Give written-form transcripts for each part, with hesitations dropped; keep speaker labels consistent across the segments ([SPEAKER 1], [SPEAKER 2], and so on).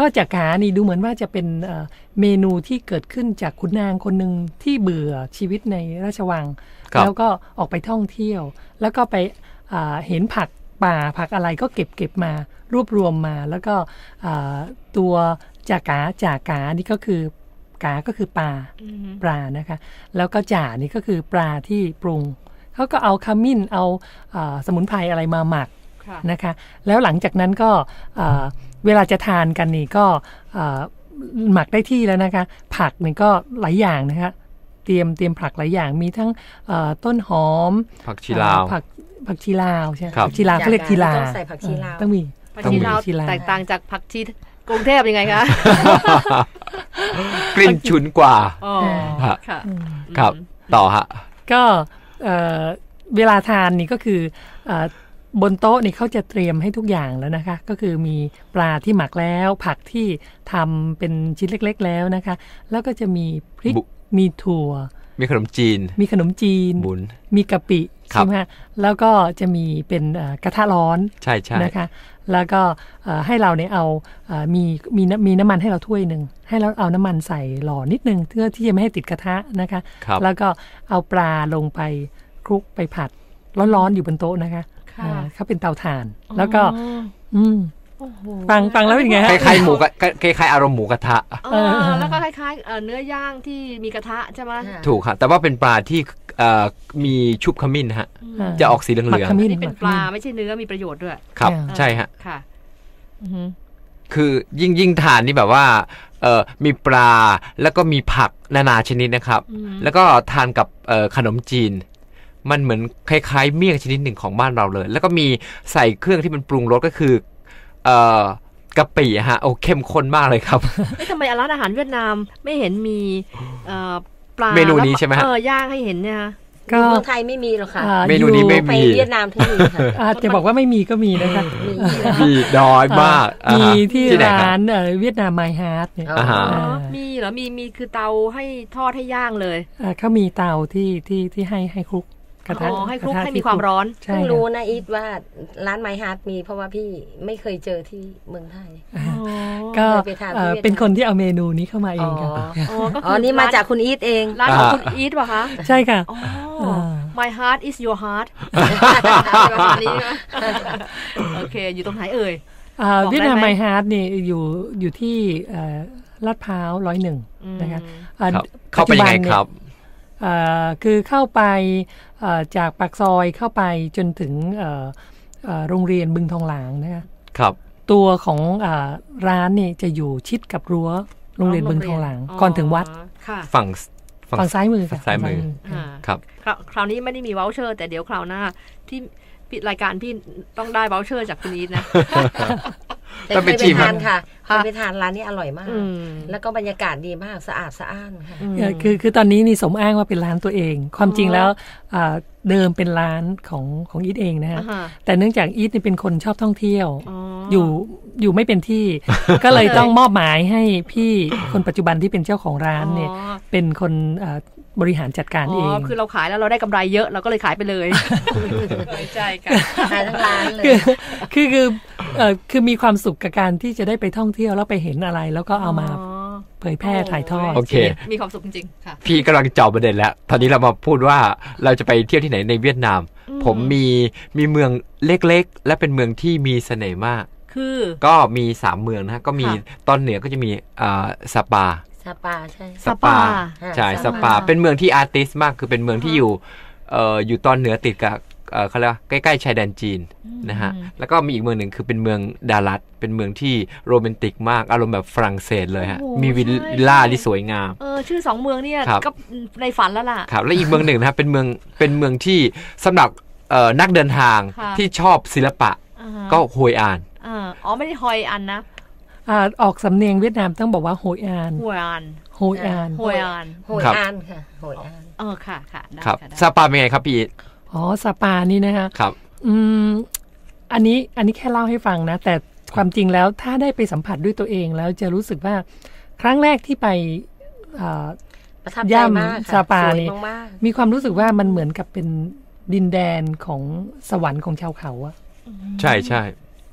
[SPEAKER 1] ก็จากานี่ดูเหมือนว่าจะเป็นเมนูที่เกิดขึ้นจากขุนนางคนหนึ่งที่เบื่อชีวิตในราชวังแล้วก็ออกไปท่องเที่ยวแล้วก็ไปเห็นผักป่าผักอะไรก็เก็บมารวบรวมมาแล้วก็ตัวจากานี่ก็คือกาก็คือปลานะคะแล้วก็จ่านี่ก็คือปลาที่ปรุงเขาก็เอาขมิ้นเอาสมุนไพรอะไรมาหมักนะคะแล้วหลังจากนั้นก็เวลาจะทานกันนี่ก็หมักได้ที่แล้วนะคะผักนี่ก็หลายอย่างนะคะเตรียมผักหลายอย่างมีทั้งต้นหอม
[SPEAKER 2] ผักชีลาว
[SPEAKER 1] ผักชีลาวใช่ผักชีลาวเขาเรียกชีลา
[SPEAKER 3] ต้องใส่ผักชีลาว
[SPEAKER 1] ต้องมี
[SPEAKER 4] ผักชีลาวแตกต่างจากผักชีกรุงเทพยังไงคะ
[SPEAKER 2] กลิ่นฉุนกว่า
[SPEAKER 4] ค่ะ
[SPEAKER 2] ครับต่อฮะ
[SPEAKER 1] ก็เวลาทานนี่ก็คือบนโต๊ะนี่เขาจะเตรียมให้ทุกอย่างแล้วนะคะก็คือมีปลาที่หมักแล้วผักที่ทำเป็นชิ้นเล็กๆแล้วนะคะแล้วก็จะมีพริกมีถั่ว
[SPEAKER 2] มีขนมจีนบุญ
[SPEAKER 1] มีกะปิใช่ไหมแล้วก็จะมีกระทะร้อน
[SPEAKER 2] ใช่
[SPEAKER 1] นะคะแล้วก็ให้เราเนี่ยเอามีน้ำมันให้เราถ้วยหนึ่งให้เราเอาน้ำมันใส่หล่อนิดนึงเพื่อที่จะไม่ให้ติดกระทะนะคะแล้วก็เอาปลาลงไปคลุกไปผัดร้อนๆอยู่บนโต๊ะนะคะเขาเป็นเตาถ่านแล้วก็ฟังแล้วเป็นไงฮะ
[SPEAKER 2] คล้ายๆหมูคล้ายๆอารมณ์หมูกระทะ
[SPEAKER 4] แล้วก็คล้ายๆเนื้อย่างที่มีกระทะใช่ไหม
[SPEAKER 2] ถูกครับแต่ว่าเป็นปลาที่มีชุบขมิ้นฮะจะออกสีเหลืองๆ
[SPEAKER 4] นี่เป็นปลาไม่ใช่เนื้อมีประโยชน์ด้วย
[SPEAKER 2] ครับใช่ฮะ
[SPEAKER 4] ค่ะ
[SPEAKER 2] คือยิ่งทานนี่แบบว่ามีปลาแล้วก็มีผักนานาชนิดนะครับแล้วก็ทานกับขนมจีนมันเหมือนคล้ายๆเมี่ยงชนิดหนึ่งของบ้านเราเลยแล้วก็มีใส่เครื่องที่มันปรุงรสก็คือกะปิฮะโอ้เข้มข้นมากเลยครับ
[SPEAKER 4] ทำไมร้านอาหารเวียดนามไม่เห็นมีปลา
[SPEAKER 2] เมนูนี้ใช่ไหมฮะ
[SPEAKER 4] ย่างให้เห็นเนี่ย
[SPEAKER 3] ก็เมืองไทยไม่มีหรอกค่ะ
[SPEAKER 2] เมนูนี้ไม่มี
[SPEAKER 3] ไปเวียดนามที่มีค่ะ
[SPEAKER 1] จะบอกว่าไม่มีก็มีนะคะ
[SPEAKER 2] มีน้อยมาก
[SPEAKER 1] มีที่ร้านเวียดนามไมฮาร์ดเนี่ย
[SPEAKER 4] มีเหรอมีคือเตาให้ทอดให้ย่างเลย
[SPEAKER 1] เขามีเตาที่ให้คลุกกระทะ
[SPEAKER 4] ให้คลุกให้มีความร้อน
[SPEAKER 3] เพิ่งรู้นะอีทว่าร้านไมฮาร์ดมีเพราะว่าพี่ไม่เคยเจอที่เมืองไทย
[SPEAKER 1] ก็เป็นคนที่เอาเมนูนี้เข้ามาเองค่ะ
[SPEAKER 3] อ๋อนี่มาจากคุณอีทเอง
[SPEAKER 4] ร้านของคุณอีทป่ะคะ
[SPEAKER 1] ใช่ค่ะ
[SPEAKER 4] My heart is your heart โอเคอยู่ตรงไหนเอ่ย
[SPEAKER 1] เวียดนามไมฮาร์ดนี่อยู่ที่ลาดพร้าว101นะคะ
[SPEAKER 2] เข้าไปยังไงครับ
[SPEAKER 1] คือเข้าไปจากปากซอยเข้าไปจนถึงโรงเรียนบึงทองหลางนะคะ
[SPEAKER 2] ครับ
[SPEAKER 1] ตัวของร้านนี่จะอยู่ชิดกับรั้วโรงเรียนบึงทองหลางก่อนถึงวัด
[SPEAKER 2] ฝั่ง
[SPEAKER 1] ซ้ายมือ
[SPEAKER 2] ครับ
[SPEAKER 4] คราวนี้ไม่ได้มีวอลเชอร์แต่เดี๋ยวคราวหน้าที่รายการพี่ต้องได้วอลเชอร์จากคุณอีทนะ
[SPEAKER 3] ต้องไปทานค่ะไปทานร้านนี้อร่อยมากแล้วก็บรรยากาศดีมากสะอาดสะอ้านค่ะ
[SPEAKER 1] คือตอนนี้นี่สมอ้างว่าเป็นร้านตัวเองความจริงแล้วเดิมเป็นร้านของอีทเองนะฮะแต่เนื่องจากอีทนี่เป็นคนชอบท่องเที่ยวอยู่ไม่เป็นที่ก็เลยต้องมอบหมายให้พี่คนปัจจุบันที่เป็นเจ้าของร้านเนี่ยเป็นคนบริหารจัดการเอง
[SPEAKER 4] คือเราขายแล้วเราได้กำไรเยอะเราก็เลยขายไปเลยใช่ค่ะ
[SPEAKER 3] ขายทั้งร้านเลย
[SPEAKER 1] คือมีความสุขกับการที่จะได้ไปท่องเที่ยวแล้วไปเห็นอะไรแล้วก็เอามาเผยแพร่ถ่ายทอด
[SPEAKER 2] โอเค
[SPEAKER 4] มีความสุขจริงๆค่ะ
[SPEAKER 2] พี่กำลังเจาะประเด็นแล้วตอนนี้เรามาพูดว่าเราจะไปเที่ยวที่ไหนในเวียดนามผมมีเมืองเล็กๆและเป็นเมืองที่มีเสน่ห์มาก
[SPEAKER 4] คือ
[SPEAKER 2] ก็มี3เมืองนะก็มีตอนเหนือก็จะมีซาปา
[SPEAKER 3] ใช่
[SPEAKER 2] ซาปาเป็นเมืองที่อาร์ติสต์มากคือเป็นเมืองที่อยู่ตอนเหนือติดกับเขาเรียกใกล้ๆชายแดนจีนนะฮะแล้วก็มีอีกเมืองหนึ่งคือเป็นเมืองดาลัดเป็นเมืองที่โรแมนติกมากอารมณ์แบบฝรั่งเศสเลยฮะมีวิลล่าที่สวยงาม
[SPEAKER 4] ชื่อ2เมืองเนี่ยก็ในฝันแล้วล่ะ
[SPEAKER 2] ครับและอีกเมืองหนึ่งนะครับเป็นเมืองที่สำหรับนักเดินทางที่ชอบศิลปะก็โฮยอาน
[SPEAKER 4] ไม่ได้ฮอยอันนะ
[SPEAKER 1] ออกสำเนียงเวียดนามต้องบอกว่าโฮยอาน
[SPEAKER 4] ค่ะโฮยอานค่ะ
[SPEAKER 2] ครับซาปาเป็นไงครับพี่
[SPEAKER 1] ซาปานี่นะคะ
[SPEAKER 2] ครับ
[SPEAKER 1] อันนี้แค่เล่าให้ฟังนะแต่ความจริงแล้วถ้าได้ไปสัมผัสด้วยตัวเองแล้วจะรู้สึกว่าครั้งแรกที่ไป
[SPEAKER 3] ย่
[SPEAKER 1] ำซาปานี่มีความรู้สึกว่ามันเหมือนกับเป็นดินแดนของสวรรค์ของชาวเขาอะ
[SPEAKER 2] ใช่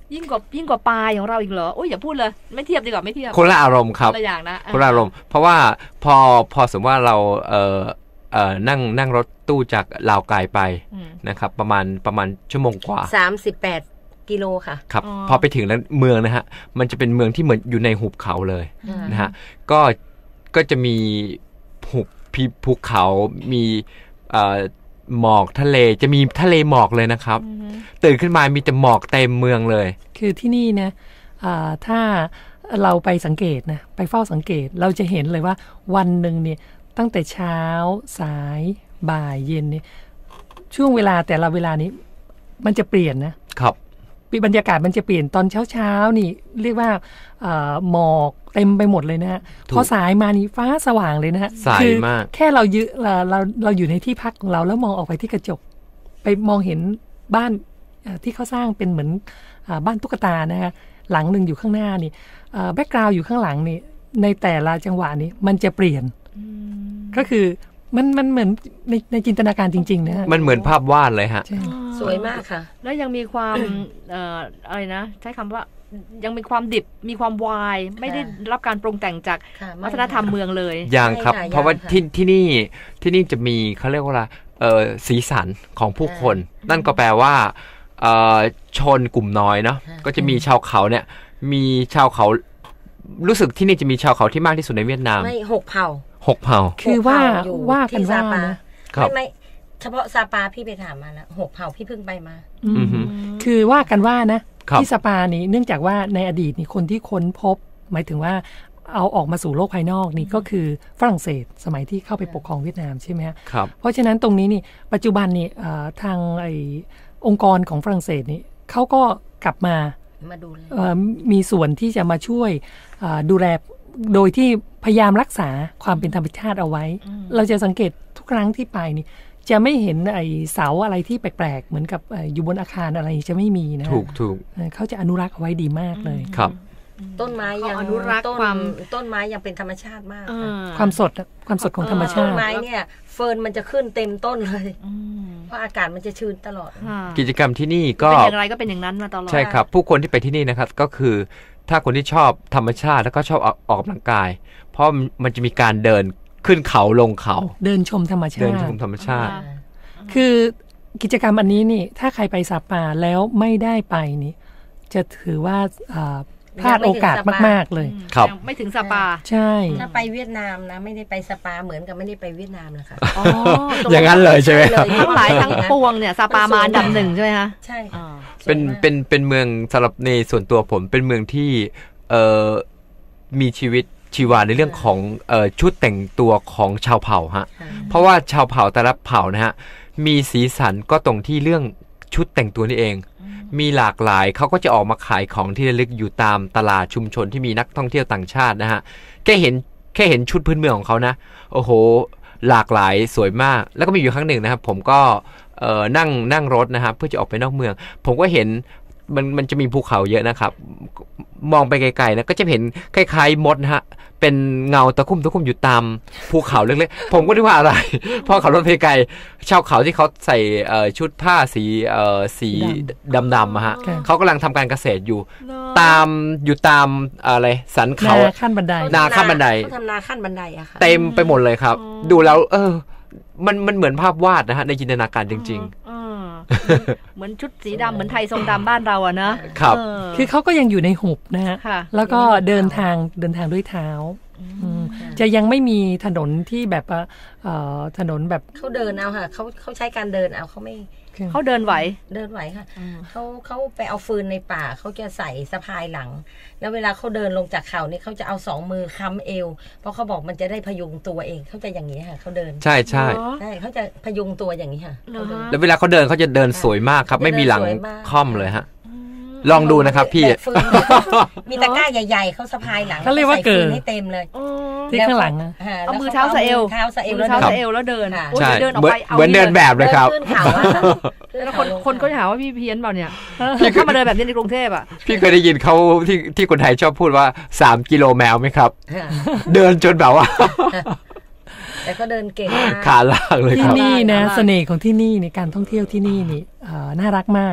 [SPEAKER 4] ยิ่งกว่าปลาของเราอีกเหรอโอ้ยอย่าพูดเลยไม่เทียบดีกว่าไม่เทียบ
[SPEAKER 2] คนละอารมณ์ครับ
[SPEAKER 4] คนละอย่างนะ
[SPEAKER 2] คนละอารมณ์เพราะว่าพอสมมติว่าเรานั่งรถตู้จากลาวไกลไปนะครับประมาณชั่วโมงกว่า
[SPEAKER 3] 38 กิโลค่ะ
[SPEAKER 2] ครับพอไปถึงแล้วเมืองนะฮะมันจะเป็นเมืองที่เหมือนอยู่ในหุบเขาเลยนะฮะก็จะมีภูเขามีหมอกทะเลจะมีทะเลหมอกเลยนะครับตื่นขึ้นมามีแต่หมอกเต็มเมืองเลย
[SPEAKER 1] คือที่นี่นะถ้าเราไปสังเกตนะไปเฝ้าสังเกตเราจะเห็นเลยว่าวันหนึ่งเนี่ยตั้งแต่เช้าสายบ่ายเย็นเนี่ยช่วงเวลาแต่ละเวลานี้มันจะเปลี่ยนนะครับบรรยากาศมันจะเปลี่ยนตอนเช้านี่เรียกว่าหมอกเต็มไปหมดเลยนะฮะพอสายมานี่ฟ้าสว่างเลยนะฮะ
[SPEAKER 2] สายมาก
[SPEAKER 1] แค่เราอยู่ในที่พักของเราแล้วมองออกไปที่กระจกไปมองเห็นบ้านที่เขาสร้างเป็นเหมือนบ้านตุ๊กตานะฮะหลังหนึ่งอยู่ข้างหน้านี่แบ็กกราวด์อยู่ข้างหลังนี่ในแต่ละจังหวะนี้มันจะเปลี่ยนก็คือมันเหมือนในจินตนาการจริงๆนะฮะ
[SPEAKER 2] มันเหมือนภาพวาดเลยฮะ
[SPEAKER 3] สวยมากค่ะ
[SPEAKER 4] แล้วยังมีความอะไรนะใช้คำว่ายังมีความดิบมีความวายไม่ได้รับการปรุงแต่งจากวัฒนธรรมเมืองเลย
[SPEAKER 2] อย่างครับเพราะว่าที่นี่จะมีเขาเรียกว่าสีสันของผู้คนนั่นก็แปลว่าชนกลุ่มน้อยเนาะก็จะมีชาวเขาเนี่ยมีชาวเขารู้สึกที่นี่จะมีชาวเขาที่มากที่สุดในเวียดนาม
[SPEAKER 3] ไม่6 เผ่า
[SPEAKER 1] คือว่ากันว่านะ
[SPEAKER 3] ไม่เฉพาะซาปาพี่ไปถามมาแล้ว6 เผ่าพี่เพิ่งไปมา
[SPEAKER 1] คือว่ากันว่านะที่ซาปานี้เนื่องจากว่าในอดีตนี่คนที่ค้นพบหมายถึงว่าเอาออกมาสู่โลกภายนอกนี่ก็คือฝรั่งเศสสมัยที่เข้าไปปกครองเวียดนามใช่ไหม
[SPEAKER 2] ครับ
[SPEAKER 1] เพราะฉะนั้นตรงนี้นี่ปัจจุบันนี่ทางองค์กรของฝรั่งเศสนี่เขาก็กลับมา
[SPEAKER 3] ดูแล
[SPEAKER 1] มีส่วนที่จะมาช่วยดูแลโดยที่พยายามรักษาความเป็นธรรมชาติเอาไว้เราจะสังเกตทุกครั้งที่ไปนี่จะไม่เห็นเสาอะไรที่แปลกๆเหมือนกับอยู่บนอาคารอะไรจะไม่มีนะ
[SPEAKER 2] ถูก
[SPEAKER 1] เขาจะอนุรักษ์เอาไว้ดีมากเลย
[SPEAKER 2] ครับ
[SPEAKER 3] ต้นไม้ยังอนุรักษ์ต้นไม้ยังเป็นธรรมชาติมาก
[SPEAKER 1] ความสดของธรรมชาติ
[SPEAKER 3] ต้นไม้เนี่ยเฟิร์นมันจะขึ้นเต็มต้นเลยเพราะอากาศมันจะชื้นตลอด
[SPEAKER 2] กิจกรรมที่นี่ก็
[SPEAKER 4] เป็นอย่างไรก็เป็นอย่างนั้นมาตลอด
[SPEAKER 2] ใช่ครับผู้คนที่ไปที่นี่นะครับก็คือถ้าคนที่ชอบธรรมชาติแล้วก็ชอบออกกำลังกายเพราะมันจะมีการเดินขึ้นเขาลงเขา
[SPEAKER 1] เดินชมธรรมชาติคือกิจกรรมอันนี้นี่ถ้าใครไปซาปาแล้วไม่ได้ไปนี่จะถือว่าพลาดโอกาสมากๆเลย
[SPEAKER 2] ครับ
[SPEAKER 4] ไม่ถึงซาปา
[SPEAKER 1] ใช่
[SPEAKER 3] ถ้าไปเวียดนามนะไม่ได้ไปซาปาเหมือนกับไม่ได้ไปเวียดนามนะคะ
[SPEAKER 2] อย่างนั้นเลยใช่ไหม
[SPEAKER 4] ทั้งหลายทั้งปวงเนี่ยซาปามาอันดับ1ใช่ไหมคะ
[SPEAKER 3] ใช่
[SPEAKER 2] เป็นเมืองสำหรับในส่วนตัวผมเป็นเมืองที่มีชีวิตชีวาในเรื่องของชุดแต่งตัวของชาวเผ่าฮะเพราะว่าชาวเผ่าแต่ละเผ่านะฮะมีสีสันก็ตรงที่เรื่องชุดแต่งตัวนี่เองมีหลากหลายเขาก็จะออกมาขายของที่ระลึกอยู่ตามตลาดชุมชนที่มีนักท่องเที่ยวต่างชาตินะฮะแค่เห็นชุดพื้นเมืองของเขานะโอ้โหหลากหลายสวยมากแล้วก็มีอยู่ครั้งหนึ่งนะครับผมก็นั่งรถนะครับเพื่อจะออกไปนอกเมืองผมก็เห็นมันจะมีภูเขาเยอะนะครับมองไปไกลๆนะก็จะเห็นคล้ายๆมดนะฮะเป็นเงาตะคุ่มอยู่ตามภูเขาเล็กๆผมก็นึกว่าอะไรพอขับรถไปไกลชาวเขาที่เขาใส่ชุดผ้าสีดำๆฮะเขากำลังทำการเกษตรอยู่ตามอะไรสันเขา
[SPEAKER 1] ขั้นบันได
[SPEAKER 3] เขาทำนาขั้นบันไดอะค่ะ
[SPEAKER 2] เต็มไปหมดเลยครับดูแล้วมันเหมือนภาพวาดนะฮะในจินตนาการจริงๆ
[SPEAKER 4] เหมือนชุดสีดำเหมือนไทยทรงดำบ้านเราอะ
[SPEAKER 2] นะครับ
[SPEAKER 1] คือเขาก็ยังอยู่ในหุบนะฮะแล้วก็เดินทางด้วยเท้าจะยังไม่มีถนนที่แบบถนนแบบ
[SPEAKER 3] เขาเดินเอาค่ะเขาใช้การเดินเอาเขาไม่
[SPEAKER 4] เขาเดินไหว
[SPEAKER 3] ค่ะเขาไปเอาฟืนในป่าเขาจะใส่สะพายหลังแล้วเวลาเขาเดินลงจากเขานี่เขาจะเอา2 มือค้ำเอวเพราะเขาบอกมันจะได้พยุงตัวเองเขาจะอย่างนี้ค่ะเขาเดิน
[SPEAKER 2] ใช่
[SPEAKER 3] เขาจะพยุงตัวอย่างนี้ค่ะ
[SPEAKER 2] แล้วเวลาเขาเดินเขาจะเดินสวยมากครับไม่มีหลังค่อมเลยฮะลองดูนะครับพี่
[SPEAKER 3] มีตะกร้าใหญ่ๆเขาสะพายหลัง
[SPEAKER 1] เขาเรียกว่าเกิน
[SPEAKER 3] ให้เต็มเลย
[SPEAKER 1] ที่ข้างหลัง
[SPEAKER 4] เอามือเท้าสะเอวแล้วเดิน
[SPEAKER 2] ใช่เหมือนเดินแบบเลยครับ
[SPEAKER 4] แล้วคนก็หาว่าพี่เพี้ยนเปล่าเนี่ยถ้ามาเดินแบบนี้ในกรุงเทพอ่ะ
[SPEAKER 2] พี่เคยได้ยินเขาที่คนไทยชอบพูดว่า3 กิโลแมวไหมครับเดินจนแบบว่า
[SPEAKER 3] แต่ก็เดินเก่งมาก
[SPEAKER 2] ขาลากเลยครับ
[SPEAKER 1] ที่นี่นะเสน่ห์ของที่นี่ในการท่องเที่ยวที่นี่นี่น่ารักมาก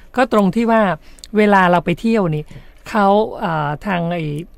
[SPEAKER 1] ก็ตรงที่ว่าเวลาเราไปเที่ยวนี่เขาทาง